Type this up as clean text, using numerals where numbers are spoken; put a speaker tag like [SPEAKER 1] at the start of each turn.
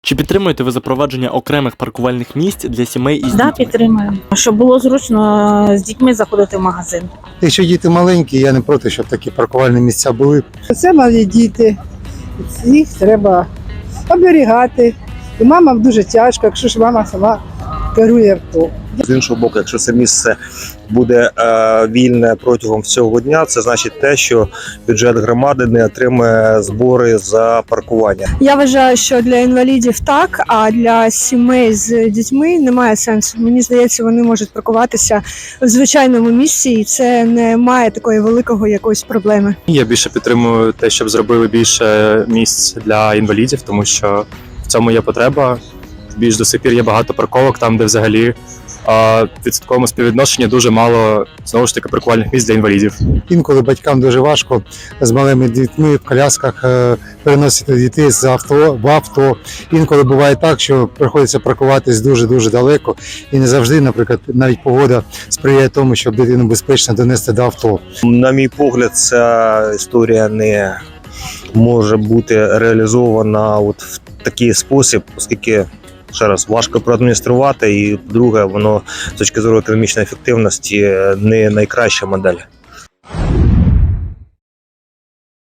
[SPEAKER 1] Чи підтримуєте ви запровадження окремих паркувальних місць для сімей із
[SPEAKER 2] Да,
[SPEAKER 1] дітьми?
[SPEAKER 2] підтримую. Щоб було зручно з дітьми заходити в магазин.
[SPEAKER 3] Якщо діти маленькі, я не проти, щоб такі паркувальні місця були.
[SPEAKER 4] Це малі діти, їх треба оберігати. І мамам дуже тяжко, якщо ж мама сама керує авто.
[SPEAKER 5] З іншого боку, якщо це місце буде вільне протягом всього дня, це значить те, що бюджет громади не отримає збори за паркування.
[SPEAKER 6] Я вважаю, що для інвалідів так, а для сімей з дітьми немає сенсу. Мені здається, вони можуть паркуватися в звичайному місці, і це не має такої великої якоїсь проблеми.
[SPEAKER 7] Я більше підтримую те, щоб зробили більше місць для інвалідів, тому що в цьому є потреба. Більш до сих пір є багато парковок, там, де взагалі в відсотковому співвідношенні дуже мало, знову ж таки, паркувальних місць для інвалідів.
[SPEAKER 3] Інколи батькам дуже важко з малими дітьми в колясках переносити дітей з авто в авто. Інколи буває так, що приходиться паркуватись дуже-дуже далеко. І не завжди, наприклад, навіть погода сприяє тому, щоб дитину безпечно донести до авто.
[SPEAKER 5] На мій погляд, ця історія не може бути реалізована от в такий спосіб, оскільки, ще раз, важко проадмініструвати, і, по-друге, воно з точки зору економічної ефективності не найкраща модель.